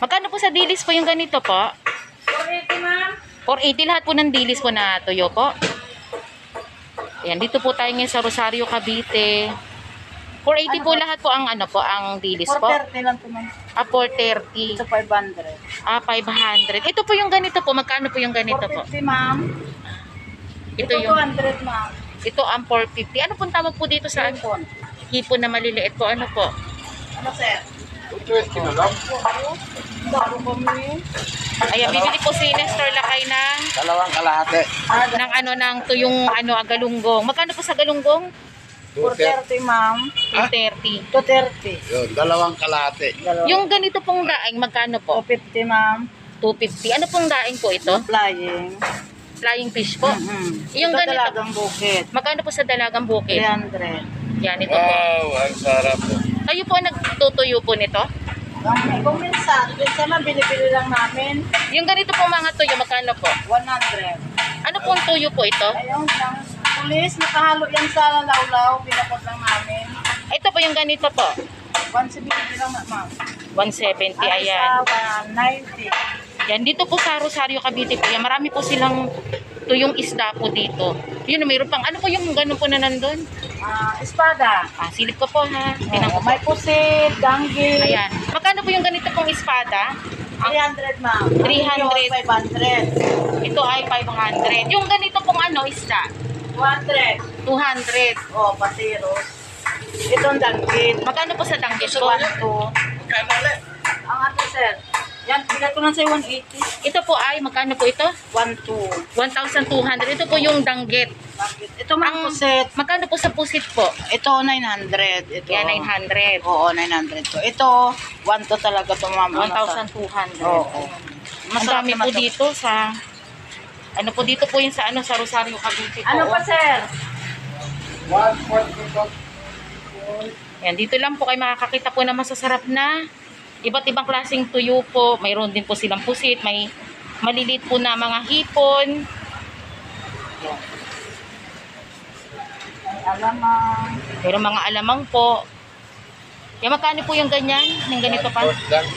Magkano po sa dilis po yung ganito po? 480, ma'am. 480 lahat po ng dilis po na tuyo po. Ayan, dito po tayo ngayon sa Rosario, Cavite. 480 po lahat po ang ano po, ang dilis po. 430 lang po, ma'am. 430. Ito 500. 500. Ito po yung ganito po. Magkano po yung ganito po? 450, ma'am. Ito Ito yung 200, ma'am. ito ang 450. Ano pong tawag po dito sa Hipon. hipon na maliliit po? Ano po? Ano, sir? 220 na lang. Bago kami. Ayan, bibili po si Nestor Lakay ng Dalawang kalahati. ng tuyong galunggong. Magkano po sa galunggong? 430, ma'am. 230. 230. Yun, dalawang kalahati. Yung ganito pong daing, magkano po? 250, ma'am. 250. Ano pong daing po ito? Flying. Flying fish po. Yung Ito ganito. talagang bukit. Magkano po sa dalagang bukid? 300. Yan, ito po. Wow, ang sarap po. Kayo po nagtutuyo po nito? Kung minsan lang binibili lang namin, Yung ganito pong mga tuyo, magkano po? 100. Ano pong tuyo po ito? Ayun lang. Pulis, nakahalo yan sa lawlaw, binakot lang namin. Ito po yung ganito po. 170 lang, ma'am. 170, Ay, ayan. sa 190. Yan, dito po sa Rosario, Cavite po. Yan, marami po silang tuyong isda po dito. Yun, mayroon pang, ano po yung gano'n po na nandun? Espada. Silip ko po ha. Tingnan ko po. May pusit, danggil. Ayan. Magkano po yung ganito pong espada? 300, ma'am. 300. 500. Ito ay 500. Yung ganito pong isda? 200. 200. Oh, patiros. Itong danggil. Magkano po sa danggit Ito, ko? 1, 2. Kano ulit? Ang ato, sir. Yan, bigat ko lang sa'yo 180. Ito po ay, magkano po ito? 1, 2. 1,200. Ito po yung danggit. Ito, ma'am, pusit. Magkano po sa pusit po? Ito, 900. Ito. Yan, 900. Oo, 900 to. Ito, 1 to talaga to, ma'am. 1,200. Oo. Ang dami po dito sa ano po dito po yung sa sa Rosario, Cavite po. Ano pa, sir? 140. Yan, dito lang po kayo makakakita po na masasarap na iba't ibang klaseng tuyo po. Mayroon din po silang pusit, may maliliit po na mga hipon. Alamang. Mayroon mga alamang po. Yan, magkano po yung ganyan? Yung ganito pa?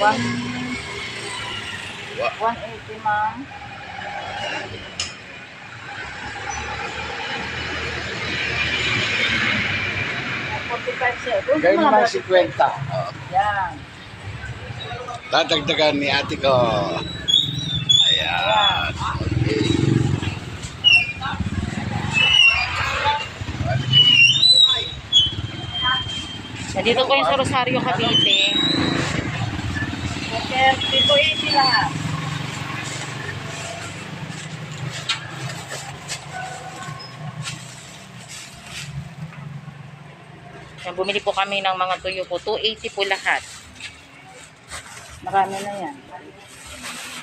180, ma'am. Gawin mo ng 50. Yan. Dadagdagan ni ate ko. Ayan. Okay. Nandito po yung sa Rosario, Cavite. 280 lahat. Yan, bumili po kami ng mga tuyo po. 280 po lahat. Marami na yan.